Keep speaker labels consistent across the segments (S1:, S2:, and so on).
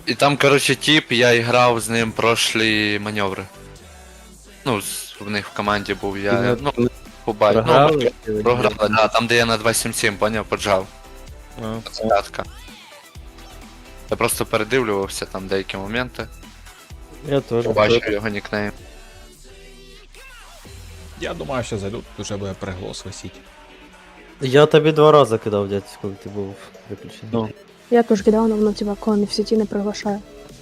S1: І там, коротше, тип, я грав з ним прошлі маневри. Ну, в них в команді був, я, ну, побачив. Ну,
S2: Програли?
S1: програли, да, там де я на 2.7.7, поняв, поджав. П'ятка. Я просто передивлювався там деякі моменти.
S2: Я теж.
S1: Побачив його нікнейм.
S3: Я думаю, що за тут вже буде приголос висіти.
S2: Я тобі 2 рази кидав, дядь, коли ти був виключений.
S1: Ну.
S4: Я теж кидала, але воно типа коли не в сеті не приглашає.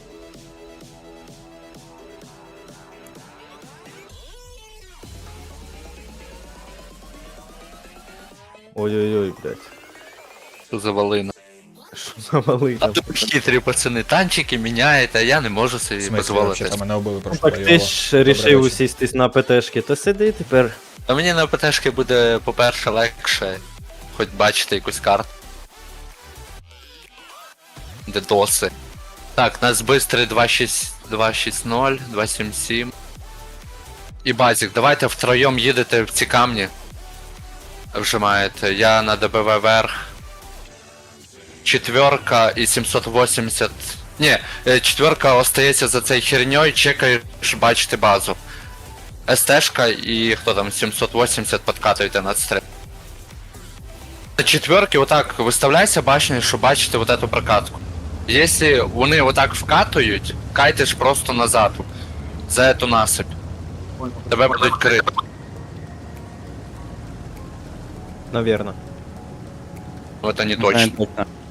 S2: Ой-ой-ой, блядь.
S1: Що за валина.
S2: Що за малий
S1: А
S2: там?
S1: тут хитрі пацани, танчики міняють, а я не можу
S3: В
S1: собі
S3: смислі,
S1: дозволити.
S3: взагалі, мене вбили
S2: Ну,
S3: прошлого
S2: так ти
S3: бойового.
S2: ж рішив усістись на ПТшки, то сиди тепер.
S1: А мені на ПТшки буде, по-перше, легше, хоч бачити якусь карту. Де доси. Так, нас бистрий 2.6.0, 2.7.7. І базік, давайте втроєм їдете в ці камні. Вжимаєте. Я на ДБВ верх. 4 і 780. Ні, 4 остається за цей херньою, чекаєш бачити базу. СТшка і хто там, 780 подкатуєте над стрим. На 4 отак виставляйся башнею, щоб бачити вот эту прокатку. Якщо вони отак вкатують, кайтиш просто назад. За эту насыпь. Тебе будуть крити.
S2: Навірно.
S1: Вот они точно.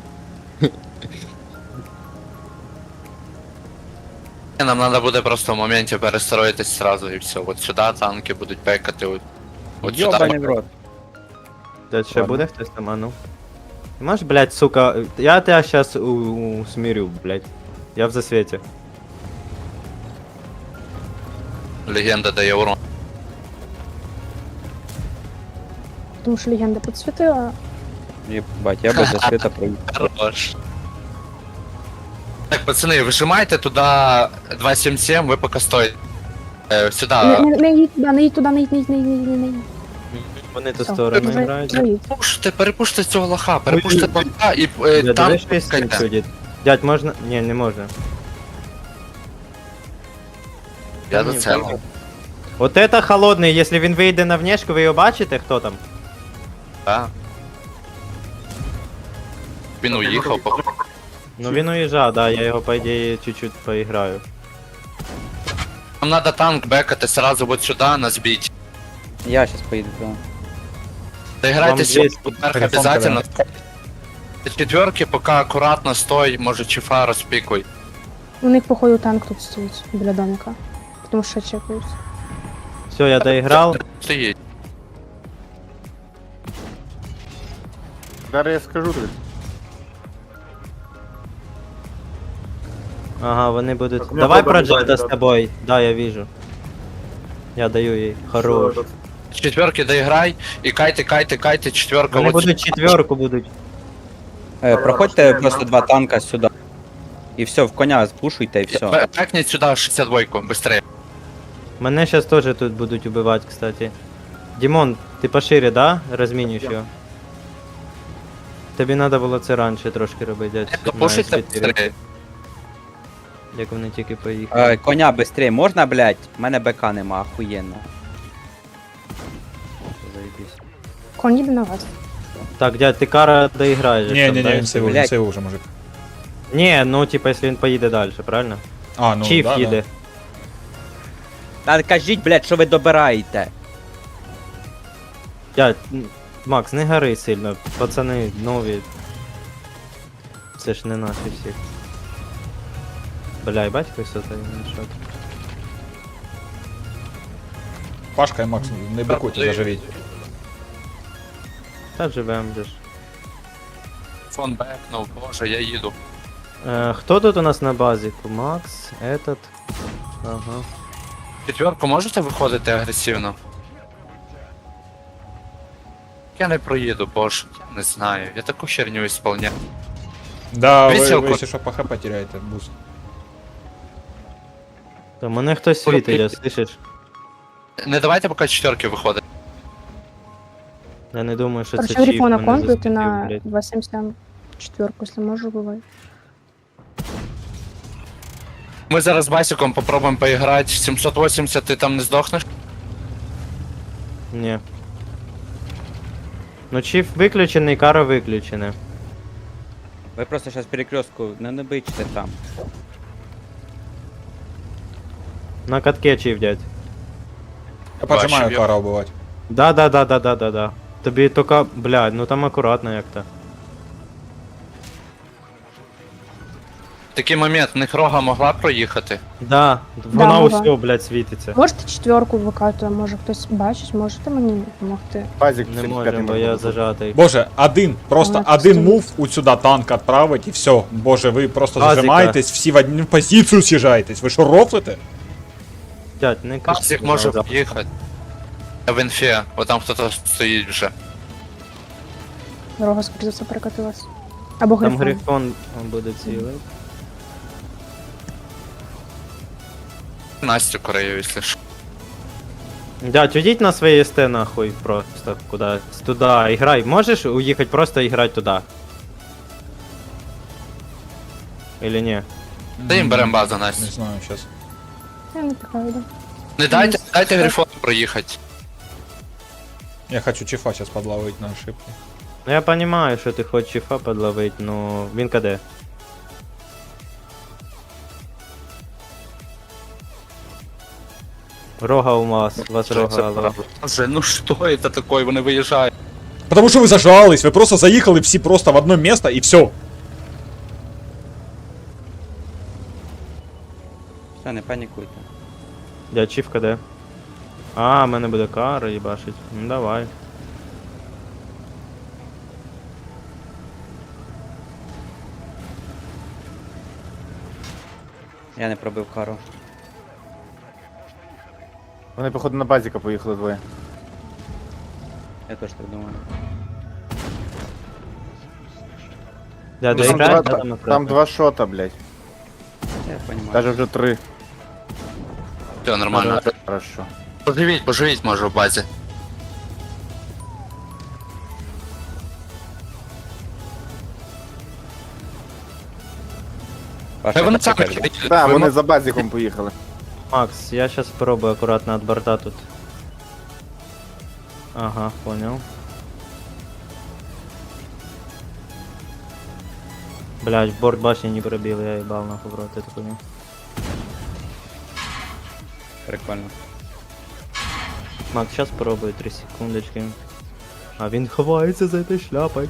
S1: Нам надо буде просто в моменті перестроїтись сразу і все. От сюди танки будуть пекати. От
S5: Ёбаный в
S1: сюди.
S5: рот.
S2: Дядь, ще
S3: Ладно.
S2: буде хтось там, а ну? Ти можеш, блядь, сука, я тебя сейчас усмирю, блядь. Я в засвете.
S1: Легенда дає урон.
S4: Тому що легенда підсвітила.
S5: Ебать, я бы за света проехал.
S1: Хорош. Так, пацани, вижимайте туди 2.7.7, ви поки стоїте. Сюди.
S4: Не їдь туди, не їдь туди, не їдь, не їдь, не їдь, не їдь.
S2: Вони то
S4: Все,
S2: сторони
S4: вже-
S2: грають.
S4: вже їдь.
S1: Перепуште цього лоха, перепуште лоха і
S2: Дядь,
S1: там
S2: дивись, що є
S1: пускайте.
S2: сюди. Дядь, можна? Ні, не можна.
S1: Я
S2: Ні,
S1: до цього.
S2: можна. От это холодний, якщо він вийде на внешку, ви його бачите, хто там?
S1: Так. Він уїхав, походу.
S2: Ну він уїжджав, да, я його, по ідеї, чуть-чуть поіграю.
S1: Нам надо танк бекати сразу вот сюда, нас бить.
S5: Я сейчас поеду туда.
S1: Доиграйте
S2: здесь
S1: сюда, вверх
S3: телефон
S1: обязательно. Четверки, пока аккуратно стой, може чифа розпікуй.
S4: У них, походу, танк тут стоїть біля домика. Тому що чекають.
S2: Все, я доіграв.
S1: Стоїть.
S6: Зараз я скажу тобі.
S2: Ага, вони будуть.
S6: Так, у мене
S2: Давай
S6: проблема
S2: проджекта
S6: бачить,
S2: з
S6: да.
S2: тобою. Да, я вижу. Я даю їй. Хорош.
S1: Четверки доіграй і кайте, четверка.
S2: Вони
S1: от
S2: будуть
S1: сюди.
S2: четверку будуть.
S5: Проходьте просто 2 танка сюда. И все, в коня спушуйте и все.
S1: Бекніть сюди 62-ку, быстрее.
S2: Мене зараз теж тут будуть убивати, кстати. Дімон, ти пошире, да? Розмінюєш його. Тобі треба було це раніше трошки робити, дядь. на
S1: Пушите
S2: S4,
S1: быстрее.
S2: як вони тільки поїхали.
S5: Коня быстрее, можна, блядь? У мене БК нема, охуєнно. Заебись.
S4: Конь їде на вас.
S2: Так, дядь, ти кара доіграєш.
S3: Ні,
S2: там,
S3: ні,
S2: да,
S3: ні, він
S2: якщо
S3: сейвив,
S2: буде?
S3: він сейвив вже, мужик.
S2: Ні, ну типа, якщо він поїде далі, правильно?
S3: А, ну,
S2: Чіф
S3: да,
S2: їде.
S5: Та кажіть, блядь, що ви добираєте?
S2: Дядь, Макс, не гори сильно, пацани нові. Це ж не наші всі. Бля, батько все та він що.
S3: Да. Пашка і Макс, не бикуйте, заживіть.
S2: Та живем же ж.
S1: Фон бекнув, боже, я їду.
S2: Хто тут у нас на базі? Макс, этот. Ага.
S1: Четверку можете виходити агресивно? Я не проїду, боже, я не знаю. Я таку херню ісполняю.
S3: Да, ви,
S1: Веселко.
S3: якщо що, по хп теряєте, буст.
S2: Та мене хтось світить, я слышиш?
S1: Не давайте поки четверки виходить.
S2: Я не думаю, що це
S4: Короче,
S2: чіп
S4: грифона
S2: мене
S4: контур, ти
S2: засвітив,
S4: на
S2: блядь.
S4: 2.7.7 четверку, якщо можеш, бувай.
S1: Ми зараз з Басиком попробуємо поіграти. 780 ти там не здохнеш?
S2: Ні. Ну чіф виключений, кара виключена.
S5: Ви просто зараз перекрестку не бичте там.
S2: На катке чіф, дядь.
S3: Я поджимаю
S1: Бачив,
S3: кара убивать.
S2: Да. Тобі тільки, блядь, ну там акуратно як-то.
S1: Такий момент, в них рога могла проїхати.
S2: Да, вона
S4: могла.
S2: усьо, блядь, світиться.
S4: Можете четверку викатує, може хтось бачить, можете мені допомогти?
S6: Базик
S2: Не
S6: 75
S2: можемо, бо я зажатий.
S3: Боже, просто
S4: Вона
S3: один
S4: просто-
S3: мув у сюди танк відправить і все. Боже, ви просто
S2: Базіка.
S3: зажимаєтесь, всі в одну позицію з'їжджаєтесь. Ви що, рофлите?
S2: Дядь, не кричи,
S1: Басик може
S2: пожалуйста.
S1: поїхати. В інфі, бо там хтось стоїть вже.
S4: Дорога, скоріше за все, перекатилась. Або
S2: Там
S4: грифон.
S2: грифон буде цілий.
S1: Настю Корею, якщо що.
S2: Дядь, уйдіть на своє СТ нахуй просто кудись. Туда, играй. Можешь уехать просто играть туда? Или не?
S1: Та їм беремо базу,
S3: Не
S1: Настю.
S3: знаю, зараз.
S4: Я не пікаю, да.
S1: Не дайте Грифону проїхати.
S3: Я хочу чифа зараз подловить на ошибки.
S2: Ну я понимаю, что ты хочешь чифа подловить, но він КД. Рога у вас рога, алло.
S1: Боже, ну що це таке, вони виїжджають.
S3: Потому що ви зажались, ви просто заїхали всі просто в одно місце і все.
S5: Все, не панікуйте.
S2: Дядь, чиф КД. А, в мене буде кара їбашить. Ну давай.
S5: Я не пробив кару.
S6: Вони, походу, на базіка поїхали двоє.
S5: Я теж так думаю.
S2: Дядь,
S1: Ну,
S6: Там,
S2: доіграй,
S6: два,
S2: да,
S6: там два шота, блядь.
S5: Я розумію.
S6: Даже вже 3.
S1: Все, нормально.
S6: Хорошо.
S1: Поживіть може в базі.
S5: Паша,
S1: Хай вони
S5: я
S1: самі
S5: так кажу.
S1: їдуть.
S6: Так,
S1: Ви
S6: вони
S1: мо-
S6: за базиком поїхали.
S2: Макс, я сейчас попробую аккуратно от борта тут. Ага, понял. Блять, борт башни не пробил, я ебал нахуй в рот эту хуйню.
S5: Прикольно.
S2: Макс, сейчас попробую 3 секундочки. А він ховається за этой шляпой.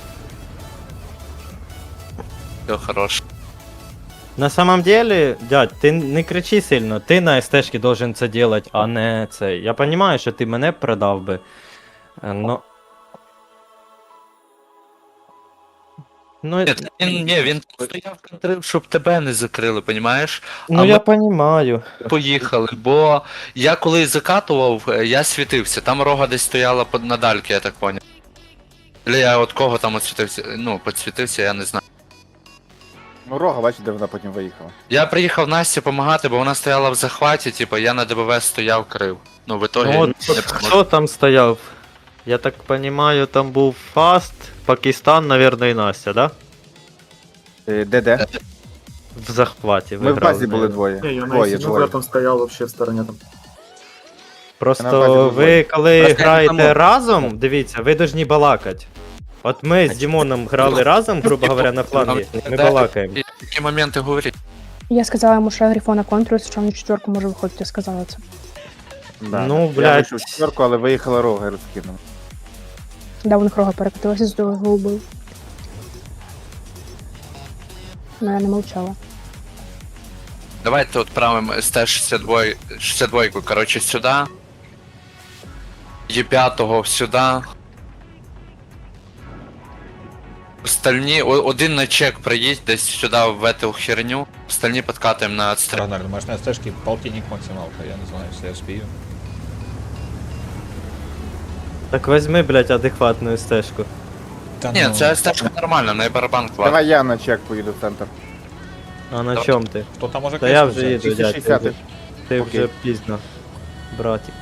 S1: Все, хорош.
S2: На самом деле, дядь, ти не кричи сильно, ти на СТшки должен це делать, а не це. Я понимаю, що ти мене продав би. Но... Ну,
S1: Він стояв контрив, щоб тебе не закрили, понімаєш?
S2: ну
S1: а
S2: я
S1: ми-
S2: понимаю.
S1: Поїхали, бо я коли закатував, я світився, там рога десь стояла на дальки, я так поняв. Или я от кого там освітився, ну, підсвітився, я не знаю.
S6: Ну, рога, бачиш, де вона потім виїхала.
S1: Я приїхав Насті допомагати, бо вона стояла в захваті, типу, я на ДБВ стояв, крив. Ну, в итоге
S2: Ну, от,
S1: не помог.
S2: хто там стояв? Я так понимаю, там був Фаст, Пакистан, наверное, і Настя, да?
S6: Де?
S2: В захваті.
S6: Ми в
S2: грали
S6: базі
S2: з
S6: були
S2: нею.
S6: двоє.
S7: Не, я на
S6: Двоє,
S7: ICG
S6: двоє.
S7: там стоял вообще в стороне там.
S6: На базі
S2: Просто
S6: були
S2: ви коли
S1: Просто я не
S2: граєте
S1: можу.
S2: разом, дивіться, ви должні балакати. От ми з Дімоном грали разом, грубо говоря, на флангі, ми балакаємо.
S1: І такі моменти говорять.
S4: Я сказала йому, що я грифона контролюю, що він четверку може виходити, я сказала це.
S6: Да.
S2: Ну,
S6: Я
S2: блядь.
S6: вийшов в четверку, але виїхала рога і розкинула.
S4: Да, у них рога перекатилася, з того його убив. Ну, я не мовчала.
S1: Давайте відправимо СТ-62, 62, коротше, сюди. Є5 сюди. Остальні, один на чек приїдь десь сюди в эту херню. Остальні підкатуємо на отстріл.
S3: Рагнар, думаєш, на стежки полтинник максималка, я не знаю, якщо я успію.
S2: Так візьми, блядь, адекватну стежку.
S3: Та
S1: Ні,
S3: ну,
S1: це стежка нормальна, на барабан клад.
S6: Давай я на чек поїду в центр.
S2: А на чому ти?
S3: Хто там може
S2: Та я
S3: кришку
S2: вже
S3: взяти?
S2: їду, дядь.
S6: 260.
S2: Ти
S6: Окей.
S2: вже пізно, братик.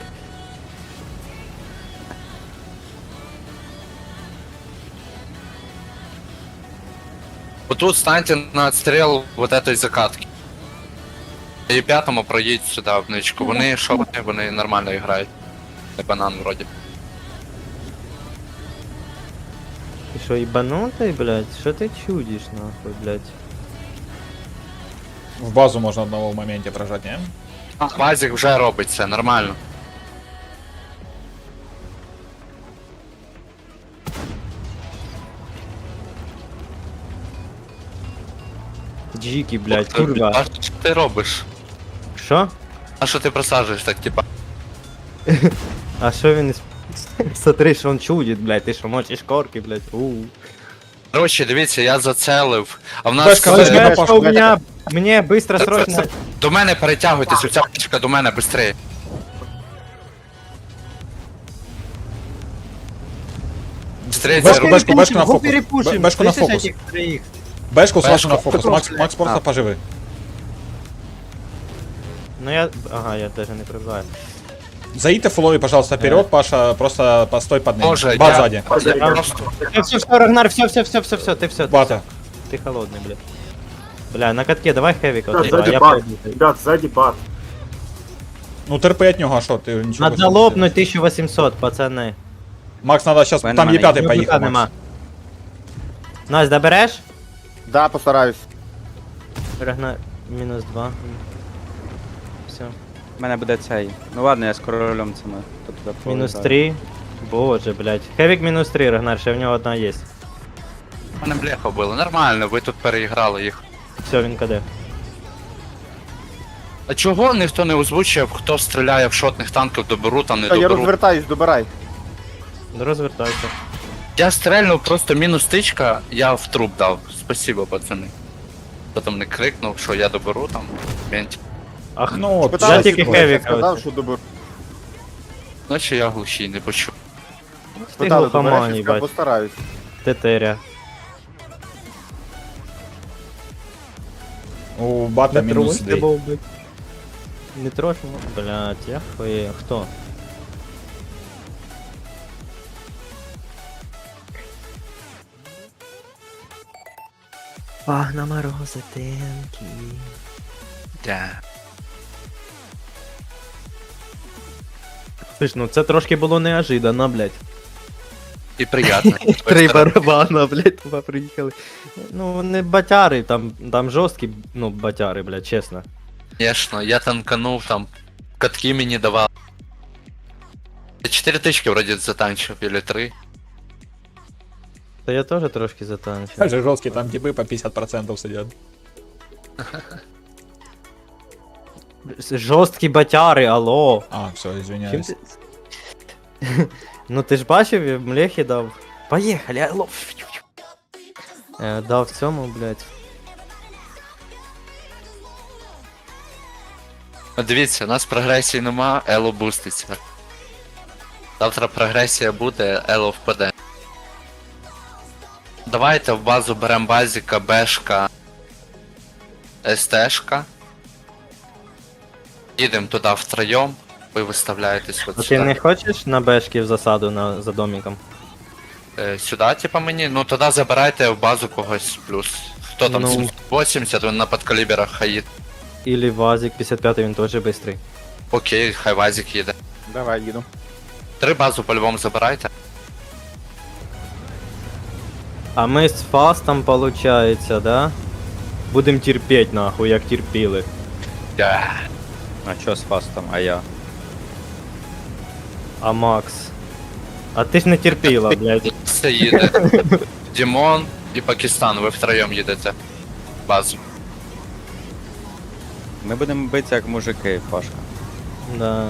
S1: Отут станьте на отстріл вот этой закатки. І п'ятому проїдь сюди в ничку. Вони, що вони нормально грають. Не банан вроді.
S2: Ти що, ібанутий, блядь? Що ти чудиш, нахуй, блядь?
S3: В базу можно одного в моменте прожать, не?
S1: Базик вже робить це, нормально.
S2: Джіки, блядь, курва.
S1: А що ти робиш?
S2: Що?
S1: А що ти просаджуєш так, типа?
S2: А що він Смотри, що він чудить, блядь, ти що мочиш корки, блядь,
S1: Короче, дивіться, я зацелив. А в нас
S3: Бешка, бешка,
S2: Блядь,
S3: Паша,
S2: що у меня, мне быстро, срочно.
S1: до мене перетягуйтесь, оця птичка до мене швидше.
S3: Бешку, бешку, бешку на фокус.
S2: перепушим,
S3: Бешку на
S2: слышишь
S3: фокус.
S2: этих троих?
S3: Бешку сразу
S1: Бешку.
S3: на фокус. Макс просто поживи.
S2: Ну я, ага, я даже не пробиваю.
S3: Заидьте фуловый, пожалуйста, вперед, Паша, просто постой под ним.
S1: Боже,
S3: Бат
S1: я-
S3: сзади.
S2: Все, Рагнар, все, ты все.
S3: Бата.
S2: Ты холодный, блядь. Бля, на катке давай хэвика, вот,
S7: Сзади
S2: я
S7: бат.
S2: пойду.
S7: Ребят, сзади бат.
S3: Ну терпи от него, а что, ты ничего.
S2: Надо лопнуть 1800, пацаны.
S3: Макс, надо сейчас,
S5: Мене
S3: там
S5: немає.
S3: Е5 поехал,
S2: нема.
S3: Макс.
S2: Настя, добереш?
S6: Да, постараюсь.
S2: Рагнар, минус 2. Все.
S5: У мене буде цей. Ну ладно, я з королем цими. Тут туди
S2: Минус
S5: повертаю.
S2: 3. Боже, блядь. Хэвик минус 3, Рагнар, ще в нього одна є.
S1: Мене бляха вбили, нормально, ви тут переіграли їх.
S2: Все, він каде.
S1: А чого ніхто не озвучив, хто стріляє в шотних танків, доберу там, не
S6: Я
S1: доберу?
S6: розвертаюсь, добирай.
S2: Ну розвертайся.
S1: Я стрельнув просто мінус тичка, я в труп дав. Спасибо, пацани. Хто там не крикнув, що я доберу там. Мент.
S2: Ах,
S3: Ну, вот,
S6: Питалась,
S2: я тільки
S6: я
S2: Хевіка
S6: сказав,
S2: оце.
S6: що доберу.
S1: Наче я глухий, не почув.
S2: ти
S6: Питали,
S2: глухоман,
S6: добереш, я сказав,
S2: їбать.
S6: постараюсь.
S2: Тетеря.
S3: у Бата минус 2.
S2: Не трожь, блядь, я хуею. Хто? Пагна морозитинки.
S1: Да.
S2: Слышь, ну це трошки було неожиданно, блядь.
S1: І приємно.
S2: Три барабана, блядь, туди приїхали. Ну, вони батяри, там жорсткі, ну, батяри, блядь, чесно.
S1: Конечно, я танканув там, катки мені давали. 4 тички вроді затанчив, или 3.
S2: Та я теж трошки затанчив.
S3: Даже жесткие, там типы по 50% сидят.
S2: Жорсткі батяри, алло.
S3: А, все,
S2: Чим
S3: извиняюсь.
S2: ти... Ну ти ж бачив, Млехи дав. Поїхали, алло. Дав цьому, блядь.
S1: Дивіться, у нас прогресії нема, Ело буститься. Завтра прогресія буде, Ело впаде. Давайте в базу беремо базіка, бешка, СТшка. Їдемо туди втроєм, ви виставляєтесь от
S2: А ти
S1: сюди.
S2: не хочеш на бешки в засаду за домиком?
S1: Сюди, типа мені? Ну тоді забирайте в базу когось плюс. Хто там,
S2: Ну.
S1: 780, він на подкаліберах хаїд.
S2: Или Вазик 55, він теж быстрий.
S1: Окей, хай вазик їде.
S6: Давай, їду.
S1: 3 базу по-любому забирайте.
S2: А ми з фастом, получается, да? Будем терпеть, нахуй, як терпіли.
S1: Да.
S5: А що з фастом, а я?
S2: А Макс? А ти ж не терпіла, блядь.
S1: Все їде. Дімон і Пакистан, ви втроєм їдете. В базу.
S5: Ми будемо битися як мужики, Пашка.
S2: Да.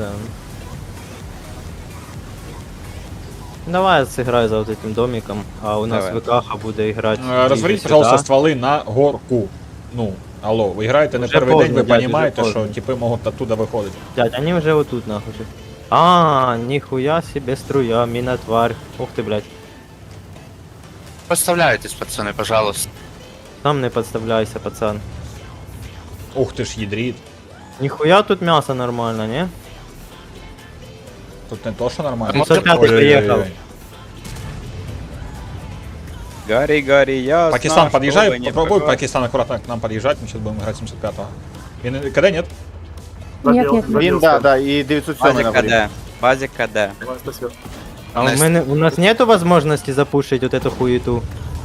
S2: Давай я сыграю за вот этим домиком, а у нас
S5: Давай.
S2: ВКХ буде играть.
S3: Разверните, пожалуйста, стволы на горку. Ну, алло, вы играете на
S2: Уже
S3: первый день,
S2: поздно,
S3: вы
S2: дядя,
S3: понимаете,
S2: уже
S3: что
S2: поздно.
S3: типы могут оттуда выходить.
S2: Дядь, они уже вот тут нахуй же. А, нихуя себе струя, мина тварь. Ух ты, блядь.
S1: Поставляйтесь, пацани, пожалуйста.
S2: Там не подставляйся, пацан.
S3: Ух ты ж, ядрит.
S2: Нихуя тут мясо нормально, не?
S3: Тут не то, что нормально.
S2: 505
S3: Ой-ой-ой-ой.
S2: приехал.
S5: Гарри, Гарри, я
S3: Пакистан,
S5: знаю,
S3: подъезжай,
S5: что вы не
S3: попробуй
S5: пока-
S3: Пакистан аккуратно к нам подъезжать, мы сейчас будем играть 75-го. Він КД, ні?
S4: Нет, нет,
S6: Він, да, і 907
S5: Базик
S6: на горі.
S5: КД. Базик КД.
S2: А
S1: Настя.
S2: у нас нету возможности запушить вот эту хуету?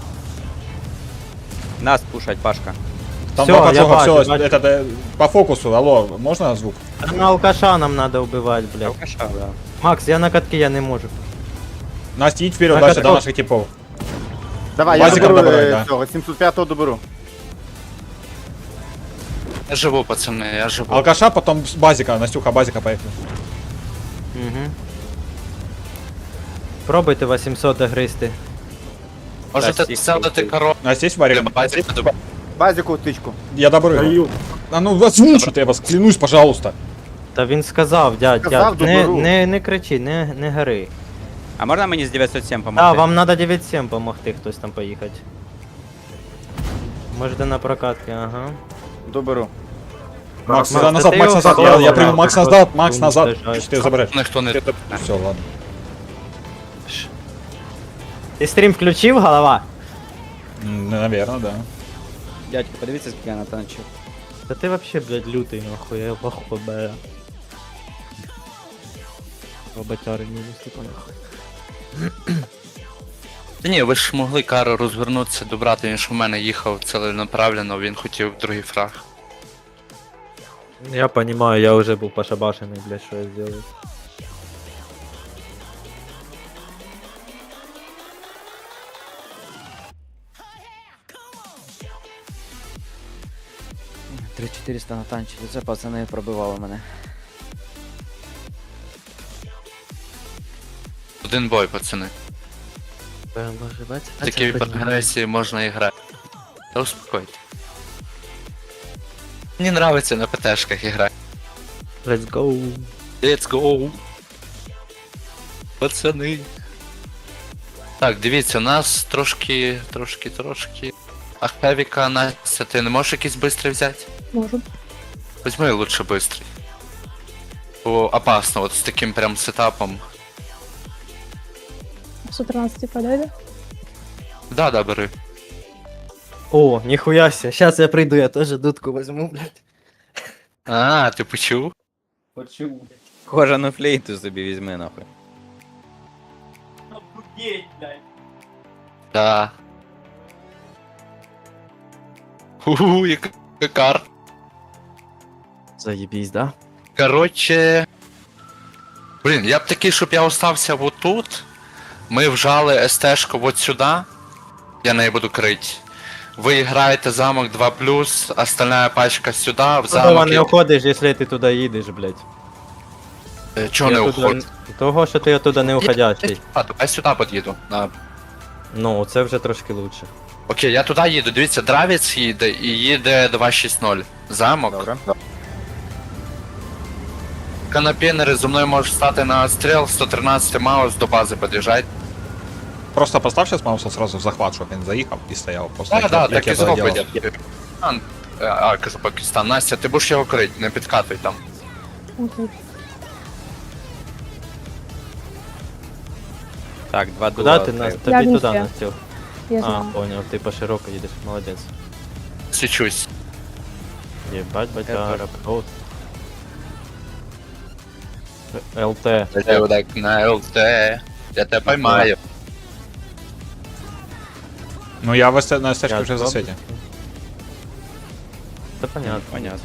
S5: Нас пушать, Пашка.
S3: Там
S2: Всё,
S3: два
S2: я
S3: поджога,
S2: бачу,
S3: все,
S2: бачу.
S3: это, по фокусу, алло, можна звук?
S2: Да на алкаша нам надо убивать, блядь.
S5: Алкаша, да.
S2: Макс, я на катке я не можу.
S3: Настя, їдь вперед,
S2: Так,
S3: дальше
S2: так,
S3: до
S2: так.
S3: наших типов.
S6: Давай, я
S3: Базиком
S6: доберу
S3: добирай, да.
S6: цього, 705-го доберу.
S1: Я живу, пацани, я живу.
S3: Алкаша, потом с базика, Настюха, базика поехали.
S2: Угу. Пробуйте 800 догризти.
S1: Можете
S5: всіх
S1: селити
S5: крутий.
S1: коробку
S3: Настя, есть варик?
S1: для базіка.
S6: Базику тичку.
S3: Я доберу. А ну озвучите, я вас клянусь, пожалуйста.
S2: Та він сказав, дядь,
S6: Сказав,
S2: дядь,
S6: доберу.
S2: не кричи, не гори.
S5: А можна мені з 907
S2: Да,
S5: помогти?
S2: вам надо 9-7 помогти хтось там поїхати. Можете на прокатки, ага.
S6: Доберу.
S3: Макс,
S2: Макс,
S3: назад,
S2: ты
S3: Макс
S2: его
S3: назад,
S2: попробуй,
S3: я приму
S2: Макс,
S3: Макс
S2: вот
S3: назад, Макс
S2: он
S3: назад.
S2: уничтожает.
S3: Чи ти забереш?
S1: Ніхто не...
S3: Все, ладно.
S2: Ти стрім включив, голова?
S3: Наверное, да.
S5: Дядько, подивіться, скільки я натанчив.
S2: Та ти вообще, блядь, лютий, нахуй, я лохо, бля. Роботяри мінус, типа, нахуй.
S1: Та ні, ви ж могли Кару розвернутися, добрати, він ж у мене їхав ціленаправленно, він хотів другий фраг.
S2: Я понимаю, я уже был пошабашенный, блядь, что я сделаю.
S5: — 3400 натанчили, це пацани пробивали мене.
S1: Один бой, пацани.
S2: Може, бать?
S1: Такій агресії можна і грати. Та успокойте. Мені нравиться на ПТшках грати.
S2: Let's go.
S1: Let's go. Пацани. Так, дивіться, у нас трошки. А Хевіка, Настя, ти не можеш якийсь бистрий взяти?
S4: можу.
S1: Візьми лучше бистрий. Бо опасно, от з таким прям сетапом.
S4: 113 подойдет?
S1: Да, бери.
S2: О, нихуя себе, сейчас я приду, я тоже дудку возьму, блядь.
S1: А, ти почув?
S2: Почему, блядь?
S5: Кожану флейту собі візьми, нахуй.
S2: Охуеть, блядь.
S1: Да. Яка кар.
S2: Заебись, да?
S1: Короче. Блін, я б такий, щоб я остався вот тут. Ми вжали СТ-шку вот сюди. Я неї буду крить. Ви граєте замок 2+, остальная пачка сюди, в
S2: Куда
S1: замок.
S2: не уходиш, если ти туди їдеш, блядь?
S1: Чого не
S2: Я туди-
S1: уходить?
S2: Того, що ти оттуда не уходящий.
S1: Я сюди під'їду.
S2: Ну, це вже трошки лучше.
S1: Окей, я туди їду. Дивіться, Дравіц їде і їде 260. Замок.
S6: Добре.
S1: Канапінери зі мною можуть стати на стріл, 113 маус до бази під'їжджайте.
S3: Просто постав сейчас Мауса сразу в захват, щоб він заїхав і стояв просто.
S1: Так, так, так і
S3: я це робив.
S1: зробить. Кажу, Пакистан. Настя, ти будеш його крити, не підкатуй там.
S4: Окей.
S5: Так, два
S2: Куда
S5: дула
S2: ти нас?
S5: відкрив.
S4: Я
S2: Тобі
S4: в
S2: туди
S4: інфі.
S2: Настю.
S4: Я
S2: А,
S4: знаю.
S2: понял, ти по широко їдеш, молодець.
S1: Січусь.
S2: Єбать, батяра, от. ЛТ.
S1: Я так на ЛТ. Я тебе поймаю.
S3: Ну я в на стежку
S2: Я
S3: вже в
S2: зроблю.
S3: засвіті.
S2: Це понятно.
S5: Понятно.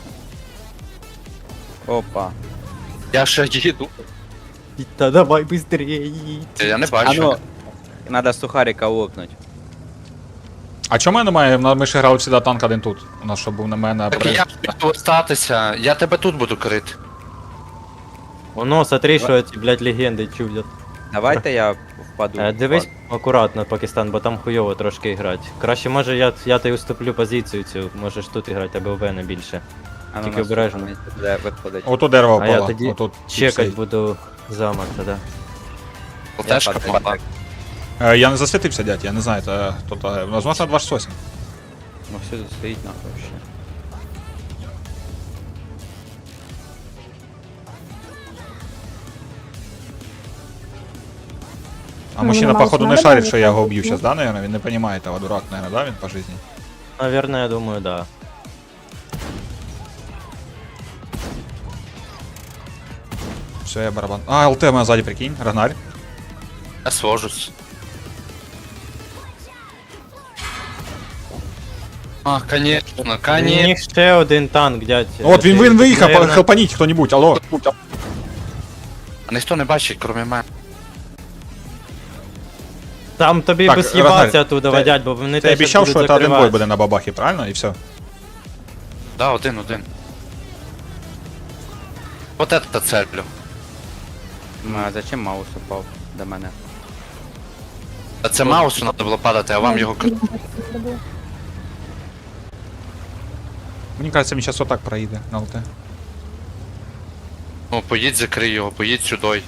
S5: Опа.
S1: Я ще їду.
S2: Та давай быстрее.
S1: Я не
S5: А
S1: бачу.
S5: ну, надо сухарика лопнуть.
S3: А чому мене немає? Ми ще грали всегда танк один тут. У нас що був на мене.
S1: Так я буду статися, я тебе тут буду крити.
S2: Воно, смотри, що ці, блядь, легенди чудять.
S5: Давайте я впаду.
S2: Дивись акуратно, Пакистан, бо там хуйово трошки грати. Краще, може, я тобі уступлю позицію цю, можеш тут грати, або в мене більше.
S5: А ну,
S2: тільки
S5: нас
S2: обережно.
S5: тут буде виходить.
S3: Ото дерево
S2: А я
S3: впало.
S2: тоді
S3: Отут
S2: Чекать
S3: стоїть.
S2: буду замок тоді.
S1: ЛТшка
S5: падаю.
S1: помогла.
S3: Я не засвітився, дядь, я не знаю, це тут, возможно, 268.
S5: Ну все тут стоїть нахуй ще.
S3: А
S4: Ну,
S3: мужчина,
S4: нормально,
S3: походу, не
S4: надо
S3: шарить,
S4: было
S3: що я його
S4: выходить,
S3: уб'ю
S4: ну.
S3: зараз, да, наверное? Він не розуміє того, дурак, наверное, да, він по житті?
S2: Наверное, я думаю, да.
S3: Все, я барабан. А, ЛТ у мене ззаді, прикинь, Рагнар.
S1: Я свожусь. А, конечно,
S2: У
S1: конечно.
S2: них ще один танк, дядь.
S3: От він виїхав,
S2: Наверно,
S3: хелпаніть хто-нибудь, алло.
S1: А ніхто не бачить, крім мене.
S2: Там тобі
S3: Так,
S2: би з'їбатися
S3: Рагnar,
S2: оттуда,
S3: ти-
S2: дядь, бо вони
S3: Ти
S2: те
S3: обіцяв, що
S2: будуть
S3: це один бой
S2: закривати.
S3: буде на бабахі, правильно? І все.
S1: Да, один. Вот это целью.
S5: А зачем маус упав до мене?
S1: А це маусу треба було падати, а вам його
S3: Мені кажеться, він зараз отак проїде на ЛТ.
S1: Ну, поїдь, закрий його, поїдь сюди.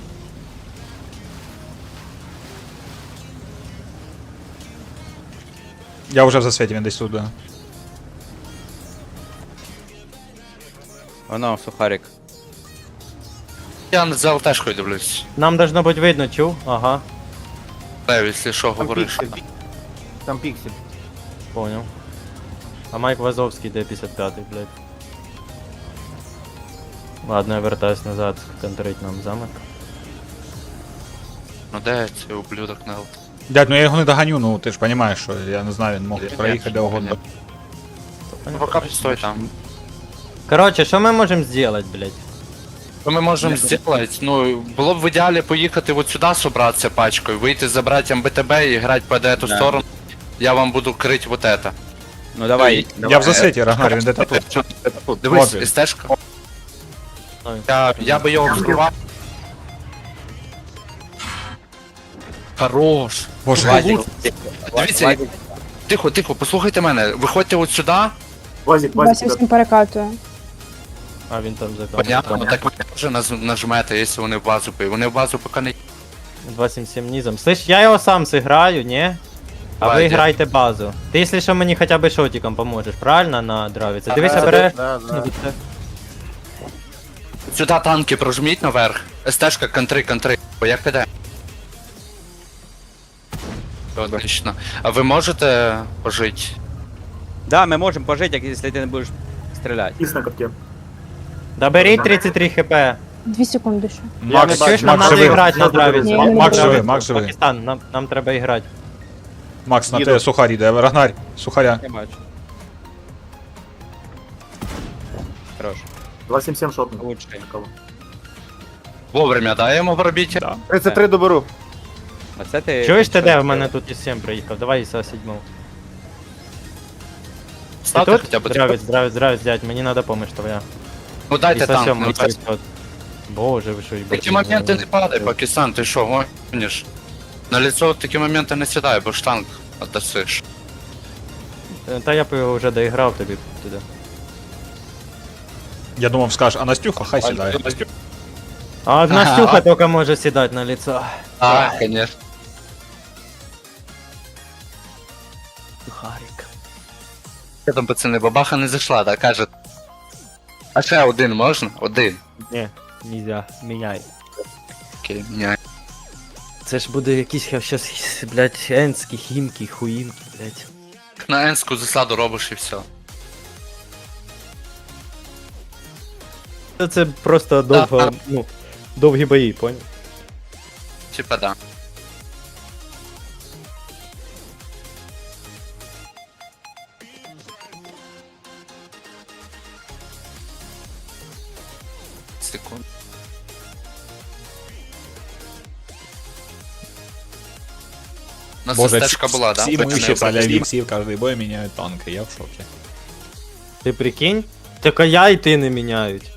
S3: Я вже в засвіті, він десь тут. Да.
S5: Воно, сухарик.
S1: Я за ЛТшкою дивлюсь.
S2: Нам должно бути видно, чув? Ага,
S1: Лев, якщо що,
S6: Там
S1: говориш.
S6: піксель. Там піксель.
S2: понял. А Майк Вазовський де 55-й, блядь. Ладно, я вертаюсь назад, контрить нам замок.
S1: Ну де цей ублюдок на ЛТ?
S3: Дядь, ну я його не доганю, ну ти ж розумієш, що я не знаю, він мог проїхати де угодно.
S1: Ну поки стой там.
S2: Короче, що ми можемо зробити, блядь?
S1: Що ми можемо зробити? Ну, було б в ідеалі поїхати от сюди собратися пачкою, вийти забрати МБТБ і грати по эту
S5: Да.
S1: сторону. Я вам буду крити вот это.
S5: Ну давай.
S3: Я в засвіті, Рагнар, він де-то тут.
S1: Дивись,
S3: Вот він.
S1: СТшка.
S2: Ой.
S1: Я би його вскривав. Хорош.
S3: Боже,
S5: Вазик.
S1: Дивіться, тихо, послухайте мене. Виходьте от сюди.
S4: Вася всім перекатує.
S2: А він там
S1: Понятно,
S2: закон.
S1: так ви теж нажмете, якщо вони в базу пи. Вони в базу поки не...
S2: 277 низом. Слышь, я його сам сыграю, не? А ви
S1: Вадя.
S2: грайте базу. Ти, якщо що, мені хоча б шотиком поможеш, правильно, на дравіці? Дивися, береш.
S6: Да.
S1: Сюди танки прожміть наверх. СТшка, контри. Бо як піде? Отлично. А ви можете пожити?
S5: Да, ми можемо пожити, якщо ти не будеш стріляти.
S2: Да беріть 33 хп.
S4: 2 секунди ще.
S3: Макс,
S2: Чуєш, нам
S3: Макс
S2: треба
S3: живий.
S2: грати на дравіці.
S4: Ні, ні,
S3: Макс
S4: ні.
S3: живий, Макс живий.
S2: Пакистан, нам треба і грати.
S3: Макс, на
S6: Їду.
S3: тебе сухарі йде. Рагнар, сухаря.
S5: Я бачу. Хорош.
S7: 277 шотный.
S5: Лучший.
S1: Вовремя даємо в орбіті?
S6: 33 доберу.
S5: Оце ти...
S2: Чуєш ти де в мене тут із 7 приїхав? Давай ІСа 7. Ти
S1: Ставте
S2: тут?
S1: хоча б.
S2: Здравець, дядь, мені треба помощь твоя.
S1: Ну дайте
S2: ІСа
S1: танк.
S2: 7
S1: Ну,
S2: на 500. Боже, ви що,
S1: в
S2: їбать.
S1: такі моменти не падай, Пакистан, ти що, гониш? На лицо в такі моменти не сідай, бо ж танк отдасиш.
S2: Та я б його вже доіграв тобі туди.
S3: Я думав, скажеш, а Настюха, хай сідає.
S2: А Настюха тільки може сідати на лицо.
S1: А, конечно.
S2: Сухарик.
S1: Що там, пацани, бабаха не зайшла, так каже. А ще один можна? Один.
S2: Ні, нельзя, міняй.
S1: Окей, міняй.
S2: Це ж буде якийсь щас, блядь, енські, хімки, хуїмки, блядь.
S1: На енську засаду робиш і все.
S2: Це просто довго, ну, довгі бої, понял?
S1: Типа да. Секунд. У нас
S3: Боже,
S1: стежка була, да?
S3: всі
S1: Потім
S3: миші
S1: не
S3: солярі, всі в кожний бой міняють танки, я в шокі.
S2: Ти прикинь? Тільки я і ти не міняють.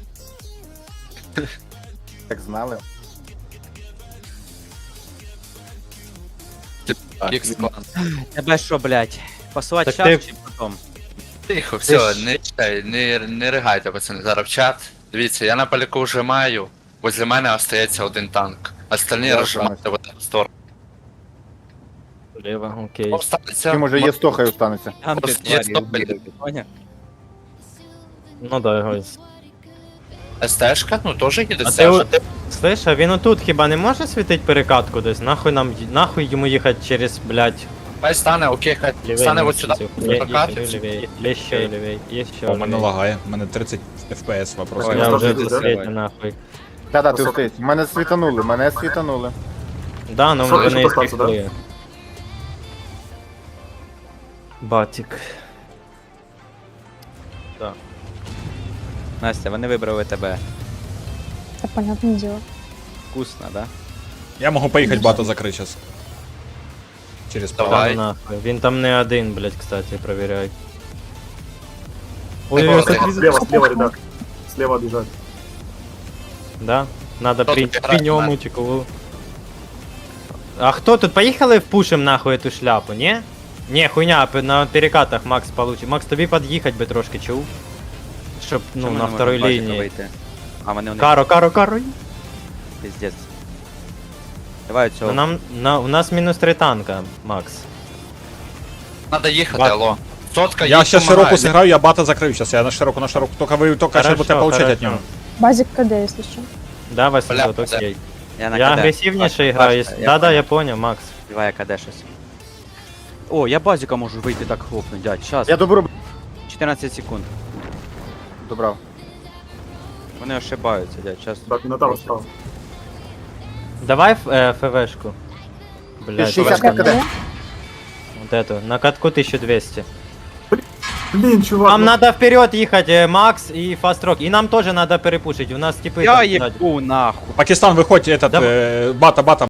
S6: Так знали.
S1: Ікс-клан.
S5: Тебе що, блядь? Посувати
S2: Так
S5: час
S2: ти-
S5: чи потом?
S1: Тихо,
S2: Ти
S1: все,
S2: ж-
S1: не читай, не ригайте, пацани, зараз в чат. Дивіться, я на поляку вже маю, возле мене остається один танк. Остальні
S6: Я
S1: розжимайте в одну сторону.
S2: Лево, окей.
S1: Останеться.
S6: Чи може є 100 хай останеться.
S5: Там ти
S1: Просто є
S5: тварі,
S1: стоп,
S5: убили, поняв?
S2: Ну да, його.
S1: СТшка, ну теж їде
S2: А ти,
S1: стежка.
S2: слышь, а він отут хіба не може світити перекатку десь? Нахуй йому їхати через, блядь,
S1: Хай стане, окей, хай стане от сюди. Прокат.
S2: Є ще лівей, є ще
S3: О, мене
S2: лівей.
S3: лагає, у мене 30 FPS вопрос.
S5: Ой,
S2: Я
S5: я
S2: вже
S5: вже
S2: засвітю нахуй.
S6: Да, ти встиг. Мене світанули.
S2: Да, ну
S7: Що,
S2: вони
S7: ще постався, да?
S2: пішли. Батик.
S5: Настя, вони вибрали тебе.
S4: Та понятне діло.
S5: Вкусно, да?
S3: Я можу поїхати бато закрити зараз. Через
S1: Давай.
S3: пару.
S2: Та ну нахуй. Він там не один, блядь, кстати, проверяй.
S1: Ой,
S2: Ой,
S1: ой,
S7: Слева, ребят. Слева бежать.
S2: Да? Надо
S1: Кто
S2: при
S1: тут играет,
S2: ньому чекову. А хто тут? Поїхали впушим нахуй эту шляпу, ні? Ні, хуйня, на перекатах Макс получить. Макс, тобі під'їхати би трошки, чув? Щоб, ну,
S5: Чому
S2: на
S5: ми не
S2: второй
S5: можемо бачити
S2: лінії.
S5: вийти? А вони у них
S2: Каро.
S5: пиздец. Давай
S2: Ну,
S5: цього.
S2: у нас мінус 3 танка, Макс.
S1: Надо їхати,
S2: Бат.
S1: алло. Сотка,
S3: Я
S1: їдь,
S3: ще
S1: помагай.
S3: широко зіграю, я бата закрию зараз. Я на широко. Тільки ви тільки ще
S2: Хорошо,
S3: будете получати від
S2: хорошо.
S3: нього.
S4: Базик КД, якщо що.
S2: Да, 800,
S1: Бля,
S2: окей.
S5: на
S2: Я
S5: КД.
S2: агресивніше
S5: Бачите,
S2: граю.
S5: бачите,
S2: Да,
S5: понял.
S2: я понял, Макс.
S5: Давай я КД щось. О, я базіка можу вийти так хлопнуть, дядь. Щас.
S6: Я доберу.
S5: 14 секунд.
S6: Добрав.
S5: Вони ошибаються, дядь. Щас.
S7: Так, Минотавр справа.
S2: Давай ФВшку. Блядь,
S6: 60
S2: ФВшка
S6: КД.
S2: на- Вот эту. На катку 1200.
S7: Блин, чувак.
S2: Нам
S7: ну-
S2: надо вперед ехать, Макс и Фастрок. И нам тоже надо перепушить. У нас типы...
S5: Я
S2: там,
S5: їбу нахуй.
S3: Пакистан, виходь, этот,
S2: Давай.
S3: бата,